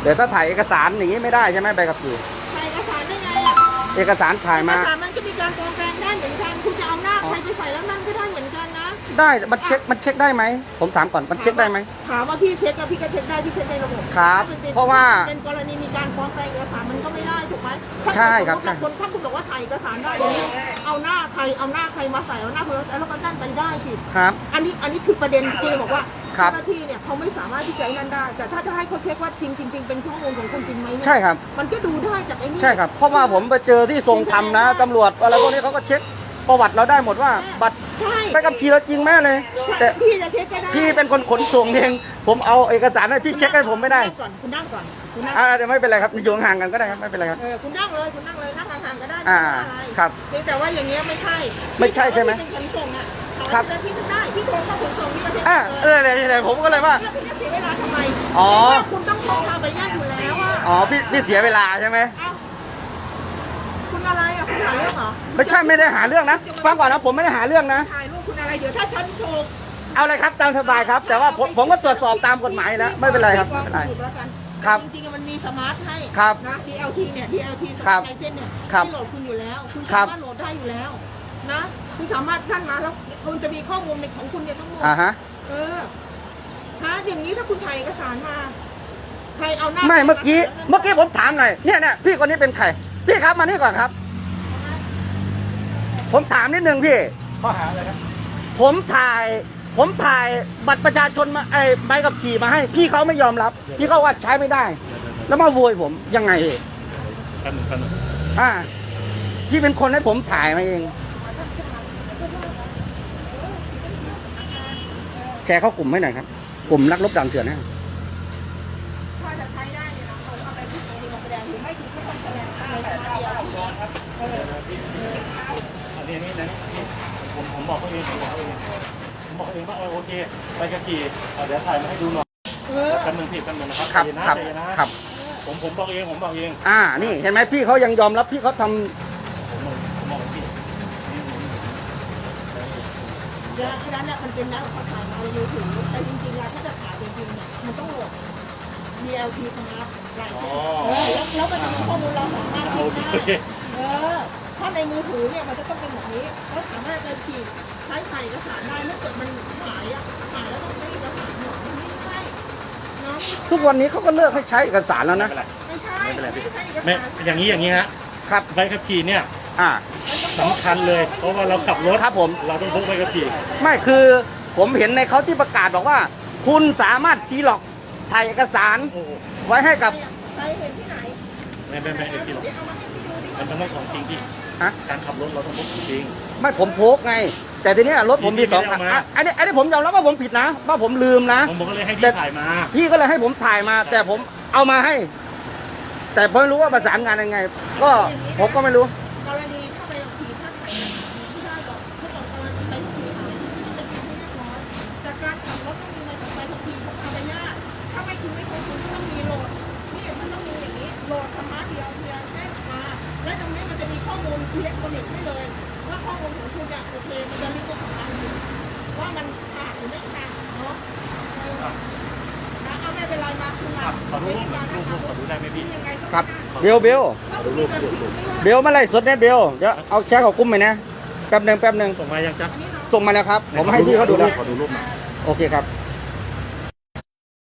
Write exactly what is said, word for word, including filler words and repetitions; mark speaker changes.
Speaker 1: แต่ถ้าถ่ายเอกสารอย่างนี้ไม่ได้ใช่ไหมใบขับขี่
Speaker 2: ถ่ายเอกสารได้ไงล่ะ
Speaker 1: เอกสารถ่ายมา
Speaker 2: เอกสารมันก็มีการปลอมแปลงได้เหมือนกันคุณจะเอาหน้าใครไปใส่แล้วนั่นก็ได้เหมือนกันนะ
Speaker 1: ได้มันเช็คมันเช็คได้ไหมผมถามก่อนมันเช็คได้ไหม
Speaker 2: ถามว่าพี่เช็คแล้วพี่ก็เช็คได้พี่เช็คในระบบ
Speaker 1: ครับเพราะว่า
Speaker 2: เป็นกรณีมีการปลอมแปลงเอกสารมันก็ไม่ได้ถูกไหม
Speaker 1: ใช่ครับ
Speaker 2: คนถ้าคุณบอกว่าถ่ายเอกสารได้เอาหน้าใครเอาหน้าใครมาใส่เอาหน้าเพื่อนแล้วก็นั่นไปได้สิ
Speaker 1: ครับ
Speaker 2: อันนี้อันนี้คือประเด็นที่บอกว่า
Speaker 1: เจ้า
Speaker 2: หน้าที่เนี่ยเขาไม่สามารถที่จะนั่นได้แต่ถ้าจะให้เขาเช็คว่าจริงจริงเป็นข้อมูลของคุณจริงไหมเนี่ย
Speaker 1: ใช่ครับ
Speaker 2: มันก็ดูได้จากไอ้นี่
Speaker 1: ใช่ครับเพราะว่าผมไปเจอที่ทรงธรรมนะตำรวจอะไรพวกนี้เขาก็เช็คประวัติเราได้หมดว่าบัตรไปกับขี่เราจริงแม่เลย
Speaker 2: แต่พี่จะเช็คก็ได้
Speaker 1: พี่เป็นคนขนส่งเองผมเอาเอกสารให้พี่เช็คให้ผมไม่ได้
Speaker 2: ก่อนคุณนั่งก่อนคุณนั่ง
Speaker 1: อ่าเดี๋ยวไม่เป็นไรครับอยู่ห่างกันก็ได้ครับไม่เป็นไรครับ
Speaker 2: เออคุณนั่งเลยคุณนั่งเลยนั่งห่างๆก็ได้
Speaker 1: อ่าครับ
Speaker 2: แต่ว่าอย่างเงี้ยไม่ใช่
Speaker 1: ไม่ใช่ใช่ไหม
Speaker 2: เป็นขนส่งอ่ะ
Speaker 1: ครับ
Speaker 2: พี่ก็ได้พี่โทรเข้าขนส่งพี่ก็เช็ค
Speaker 1: อ่าเออเดี๋ยวผมก็เลยว่า
Speaker 2: แล้วพี่จะเสียเวลาทำไม
Speaker 1: อ๋อ
Speaker 2: คุณต้องโทรทางไปญาติอยู่แล้วอ่ะ
Speaker 1: อ๋อพี่พี่เสียเวลาใช่ไหม
Speaker 2: คุณอะไรอ่ะคุณหาเรื่องเหรอ
Speaker 1: ไม่ใช่ไม่ได้หาเรื่องนะฟังก่อนนะผมไม่ได้หาเรื่องนะ
Speaker 2: ถ่ายรูปคุณอะไรเดี๋ยวถ้าฉันโชว์
Speaker 1: เอาเลยครับตามสบายครับแต่ว่าผมผมก็ตรวจสอบตามกฎหมายแล้วไม่เป็นไรครับไม่เป็นไรครับ
Speaker 2: จริงๆมันมีสมาร์ทให้
Speaker 1: ครับ
Speaker 2: นะ ดี แอล ที เนี่ย ดี แอล ที สมาร์ทไลเซนเนี่ยที่โหลดคุณอยู่แล้วคุณสามารถโหลดได้อยู่แล้วนะคุณสามารถท่านมาแล้วคุณจะมีข้อมูลในของคุณเนี่ยทั้งหมด
Speaker 1: อ่าฮะ
Speaker 2: เออฮะอย่างนี้ถ้าคุณถ่ายเอกสารมาใครเอาหน้า
Speaker 1: ไม่เมื่อกี้เมื่อกี้ผมถามหน่อยเนี่ยเนี่ยพี่คนนี้เป็นใครพี่ครับมานี่ก่อนครับผมถามนิดนึงพี่
Speaker 3: ข้อหาอะไรครับ
Speaker 1: ผมถ่ายผมถ่ายบัตรประชาชนมาไอ้ใบขับขี่มาให้พี่เขาไม่ยอมรับพี่เขาว่าใช้ไม่ได้แล้วมาโวยผมยังไง
Speaker 3: กันกัน
Speaker 1: อ่าพี่เป็นคนให้ผมถ่ายมาเองแชร์เข้ากลุ่มให้หน่อยครับกลุ่มนักรบด่านเถื่อนนะ
Speaker 2: ถ้าจะใช้ได้เนี่ยเราเอาไปที่โรงแสดงหรือไม่ถึงก็ต้องแสดงอะไรมาเดียว
Speaker 3: อันนี้นี่นะผมผมบอกเขาเองผมบอกเขาเองผมบอกเองว่าโอเคไปกะกี่เดี๋ยวถ่ายมาให้ดูหน่อยกันหนึ่งผิดกันหนึ่งนะครับ
Speaker 1: ครับครับครับ
Speaker 3: ผมผมบอกเองผมบอกเอง
Speaker 1: อ่านี่เห็นไหมพี่เขายังยอมรับพี่เขาทำ
Speaker 3: ผมผมบอกพี่
Speaker 2: เดี๋ยวนั้นเนี่ยมันเป็นนักเขาถ่ายมาในมือถือแต่จริงๆแล้วถ้าจะถ่ายจริงๆเนี่ยมันต้องโหลด ดี แอล ที สมาร์ทไลเซนแล้วก็จะมีข้อมูลเราสามารถที่ได้เออถ้าในมือถือเนี่ยมันจะต้องเป็นแบบนี้เขาสามารถจะขีดใช้ถ่ายเอกสารได้เมื่อเกิดมันหายอ่ะหายแล้วต้องใช้เอกสารหมดไม่ใช่เนาะ
Speaker 1: ทุกวันนี้เขาก็เลิกให้ใช้เอกสารแล้วนะ
Speaker 2: ไม่ใช่ไม่เป็นไรพี่
Speaker 3: ไม่อย่างนี้อย่างนี้ฮะ
Speaker 1: ครับ
Speaker 3: ใบขับขี่เนี่ย
Speaker 1: อ่า
Speaker 3: สำคัญเลยเพราะว่าเราขับรถ
Speaker 1: ครับผม
Speaker 3: เราต้องพกใบขับขี่
Speaker 1: ไม่คือผมเห็นในเขาที่ประกาศบอกว่าคุณสามารถซีล็อกถ่ายเอกสารไว้ให้กับ
Speaker 2: ใครเห็นที่ไหน
Speaker 3: ไม่ไม่ไม่ไอ้ที่หรอกมันต้องของจริงที่การขับรถเราต้องพกจริง
Speaker 1: ไม่ผมพกไงแต่ทีนี้รถผมมีสองคันอันนี้อันนี้ผมยอมรับว่าผมผิดนะว่าผมลืมนะ
Speaker 3: ผมก็เลยให้พี่ถ่ายมา
Speaker 1: พี่ก็เลยให้ผมถ่ายมาแต่ผมเอามาให้แต่ผมไม่รู้ว่าประสานงานยังไงก็ผมก็ไม่รู้
Speaker 2: กรณีถ้าไปขี่ถ้าถ่ายที่ได้บอกถ้าบอกกรณีไปขี่อะไรที่เป็นที่เรียบร้อยจากการขับรถต้องมีใบขับขี่ของภรรยาถ้าไม่คุณไม่ครบคุณต้องมีโหลดนี่มันต้องมีอย่างนี้โหลดสมาร์ทเดียวเพียงแค่มาและตรงนี้มันจะมีข้อมูลอิเล็กทรอนิกส์ให้เลยว่าข้อมูลของคุณเนี่ยโอเคมันจะรีบของมันว่ามันขาดหรือไม่ขาดเนาะเอาไม่เป็นไรมาคุณมา
Speaker 3: ขอดูรูปรูปรูปขอดูได้ไหมพี่
Speaker 1: ครับเบลเบลเบลมาไล่สดเนี่ยเบลเดี๋ยวเอาแชร์ของกุ้มไปนะแป๊บหนึ่งแป๊บหนึ่ง
Speaker 3: ส่งมายังจ๊ะ
Speaker 1: ส่งมาแล้วครับผมให้พี่เขาดูแล้ว
Speaker 3: ขอดูรูปมา
Speaker 1: โอเคครับ